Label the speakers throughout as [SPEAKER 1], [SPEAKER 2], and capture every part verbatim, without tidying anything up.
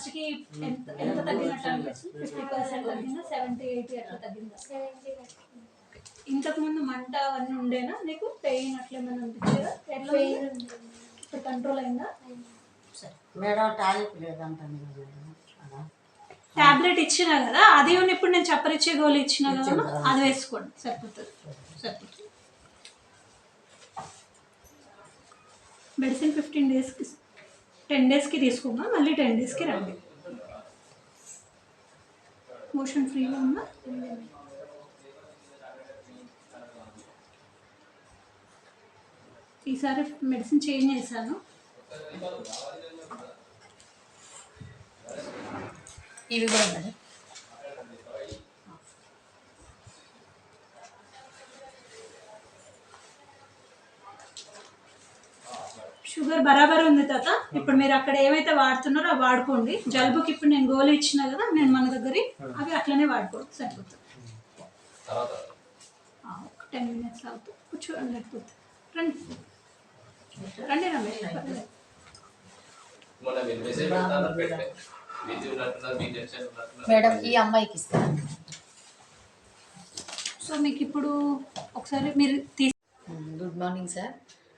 [SPEAKER 1] First కి ఎంత ఎంత తగ్గినట్టు అనిపిస్తుంది? ఫిఫ్టీ పర్సెంట్ తగ్గిందా, సెవెంటీ ఎయిటీ అట్లా తగ్గిందా? ఇంతకు ముందు మంట అవన్నీ ఉండేనా నీకు? పెయిన్ అట్లా ఏమైనా అనిపించేదా? ఎట్లా ఇప్పుడు కంట్రోల్ అయిందా?
[SPEAKER 2] Madam tablet లేదంటాను.
[SPEAKER 1] టాబ్లెట్ ఇచ్చినా కదా, అది ఇప్పుడు నేను చప్పరిచ్చే గోళీ ఇచ్చినా కదా, అది వేసుకోండి సరిపోతుంది. సరిపోతుంది. మెడిసిన్ ఫిఫ్టీన్ డేస్కి టెన్ డేస్కి తీసుకున్నా, మళ్ళీ టెన్ డేస్కి రండి. మోషన్ ఫ్రీగా ఉందా? ఈసారి మెడిసిన్ చేంజ్ చేశాను.
[SPEAKER 3] ఇవి కూడా ఉన్నాయి.
[SPEAKER 1] షుగర్ బరాబర్ ఉంది తాత. ఇప్పుడు మీరు అక్కడ ఏమైతే వాడుతున్నారో అవి వాడుకోండి. జలుబుకి ఇప్పుడు నేను గోళీ ఇచ్చినా కదా, నేను మన దగ్గర అవి అట్లనే వాడుకోండి సరిపోతుంది. టెన్ మినిట్స్ అవుతుంది. కూర్చోండి, లేకపోతే రండి రండి రమేష్.
[SPEAKER 3] మేడం ఈ అమ్మాయికి ఇస్తాను.
[SPEAKER 1] సో మీకు ఇప్పుడు ఒకసారి మీరు తీసి.
[SPEAKER 3] Good morning sir.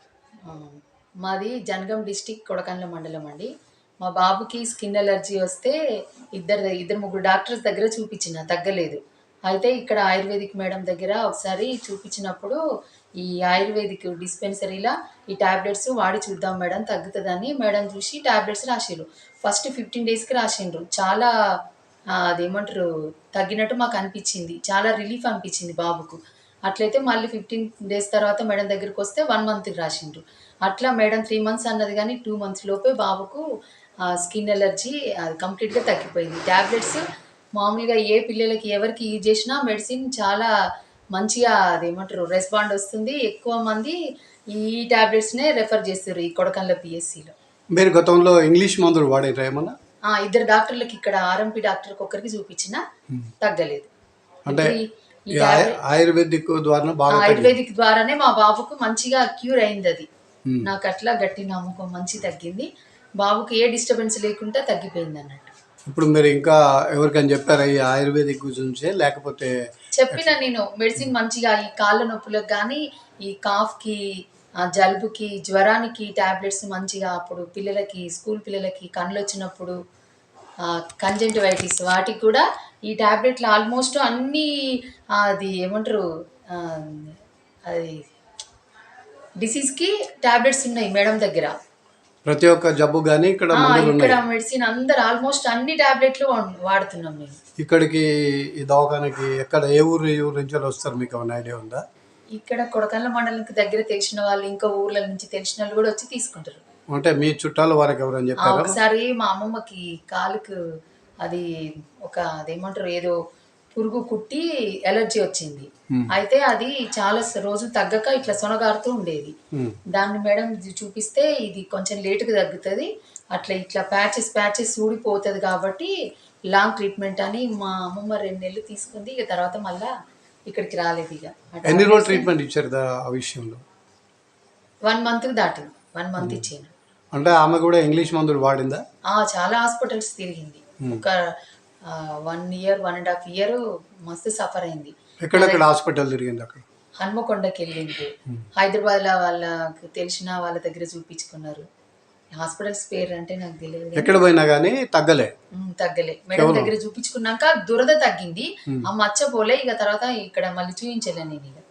[SPEAKER 3] మాది జనగాం డిస్టిక్ కొడకండ్ల మండలం అండి. మా బాబుకి స్కిన్ ఎలర్జీ వస్తే ఇద్దరు ఇద్దరు ముగ్గురు డాక్టర్స్ దగ్గర చూపించిన, తగ్గలేదు. అయితే ఇక్కడ ఆయుర్వేదిక్ మేడం దగ్గర ఒకసారి చూపించినప్పుడు ఈ ఆయుర్వేదిక్ డిస్పెన్సరీలో ఈ ట్యాబ్లెట్స్ వాడి చూద్దాం మేడం తగ్గుతుందని మేడం చూసి ట్యాబ్లెట్స్ రాసిండ్రు. ఫస్ట్ ఫిఫ్టీన్ డేస్కి రాసిండ్రు. చాలా అదేమంటారు తగ్గినట్టు మాకు అనిపించింది, చాలా రిలీఫ్ అనిపించింది బాబుకు. అట్లయితే మళ్ళీ ఫిఫ్టీన్ డేస్ తర్వాత మేడం దగ్గరికి వస్తే వన్ మంత్కి రాసిండ్రు. అట్లా మేడం త్రీ మంత్స్ అన్నది కానీ టూ మంత్స్ లోపే బాబుకు స్కిన్ ఎలర్జీ అది కంప్లీట్గా తగ్గిపోయింది. ట్యాబ్లెట్స్ మామూలుగా ఏ పిల్లలకి ఎవరికి యూజ్ చేసినా మెడిసిన్ చాలా మంచిగా అదేమంటారు రెస్పాండ్ వస్తుంది. ఎక్కువ మంది ఈ ట్యాబ్లెట్స్నే రెఫర్ చేస్తారు ఈ కొడకండ్ల పిఎస్సిలో.
[SPEAKER 4] మీరు గతంలో ఇంగ్లీష్ మందులు వాడారా ఏమన్నా?
[SPEAKER 3] ఇద్దరు డాక్టర్లకి ఇక్కడ ఆర్ఎంపీ డాక్టర్కి ఒక్కరికి చూపించినా తగ్గలేదు.
[SPEAKER 4] అంటే ఆయుర్వేదిక్ ద్వారా
[SPEAKER 3] ఆయుర్వేదిక్ ద్వారానే మా బాబుకు మంచిగా క్యూర్ అయింది. అది నాకు అట్లా గట్టి నమ్మకం, మంచి తగ్గింది బాబుకి, ఏ డిస్టర్బెన్స్ లేకుండా తగ్గిపోయింది అన్నట్టు.
[SPEAKER 4] ఇప్పుడు మీరు ఇంకా ఎవరికైనా చెప్పారా ఈ ఆయుర్వేదిక్ గురించి? లేకపోతే
[SPEAKER 3] చెప్పిన నేను మెడిసిన్ మంచిగా ఈ కాళ్ళ నొప్పులకు కానీ ఈ కాఫ్కి జలుబుకి జ్వరానికి ట్యాబ్లెట్స్ మంచిగా, అప్పుడు పిల్లలకి స్కూల్ పిల్లలకి కళ్ళు వచ్చినప్పుడు కంజంటివైటిస్ వాటికి కూడా ఈ ట్యాబ్లెట్లు ఆల్మోస్ట్ అన్నీ అది ఏమంటారు అది డిసీజ్కి ట్యాబ్లెట్స్ ఉన్నాయి మేడం దగ్గర.
[SPEAKER 4] ప్రతి ఒక్క జబ్బు కానీ ఇక్కడ
[SPEAKER 3] ఇక్కడ మెడిసిన్ అందరు ఆల్మోస్ట్ అన్ని ట్యాబ్లెట్లు వాడుతున్నాం మేము.
[SPEAKER 4] ఇక్కడికి ఈ దవాఖానకి ఎక్కడ ఏ ఊరు ఏ ఊరు నుంచి వస్తారు మీకు ఏమైనా ఐడియా ఉందా?
[SPEAKER 3] ఇక్కడ కొడకండ్ల మండలంకి దగ్గర తెలిసిన వాళ్ళు ఇంకా ఊర్ల నుంచి తెలిసిన వాళ్ళు కూడా వచ్చి తీసుకుంటారు.
[SPEAKER 4] అంటే మీ చుట్టాలు వారికి ఎవరైనా చెప్పారా?
[SPEAKER 3] ఒకసారి మా అమ్మమ్మకి కాలుకు అది ఒక అదేమంటారు ఏదో పురుగు కుట్టి ఎలర్జీ వచ్చింది. అయితే అది చాలా రోజులు తగ్గక ఇట్లా సొనగారుతూ ఉండేది. దాన్ని మేడం చూపిస్తే ఇది కొంచెం లేటుగా తగ్గుతుంది, అట్లా ఇట్లా ప్యాచెస్ ప్యాచెస్ ఊడిపోతుంది కాబట్టి లాంగ్ ట్రీట్మెంట్ అని మా అమ్మమ్మ రెండు నెలలు తీసుకుంది. ఇక తర్వాత మళ్ళా ఇక్కడికి రాలేదు. ఇక
[SPEAKER 4] ఎన్ని రోజులు ట్రీట్మెంట్ ఇచ్చారు ఆ విషయంలో?
[SPEAKER 3] వన్ మంత్కి దాటింది. వన్ మంత్ ఇచ్చాను.
[SPEAKER 4] అంటే ఆమె కూడా ఇంగ్లీష్ మందులు వాడిందా?
[SPEAKER 3] చాలా హాస్పిటల్స్ తిరిగింది. ఒక one year one and half year మస్తు సఫర్ అయింది.
[SPEAKER 4] ఎక్కడెక్కడ హాస్పిటల్ తిరిగింది? అక్కడ
[SPEAKER 3] హన్మకొండకి వెళ్ళింది. హైదరాబాద్ లో వాళ్ళకి తెలిసిన వాళ్ళ దగ్గర చూపించుకున్నారు. హాస్పిటల్స్ పేరు అంటే నాకు తెలియదు.
[SPEAKER 4] ఎక్కడ పోయినా కానీ తగ్గలే
[SPEAKER 3] తగ్గలే మేడం దగ్గర చూపించుకున్నాక దురద తగ్గింది, ఆ మచ్చ పోలే. ఇక తర్వాత ఇక్కడ మళ్ళీ చూపించలే నేను. ఇక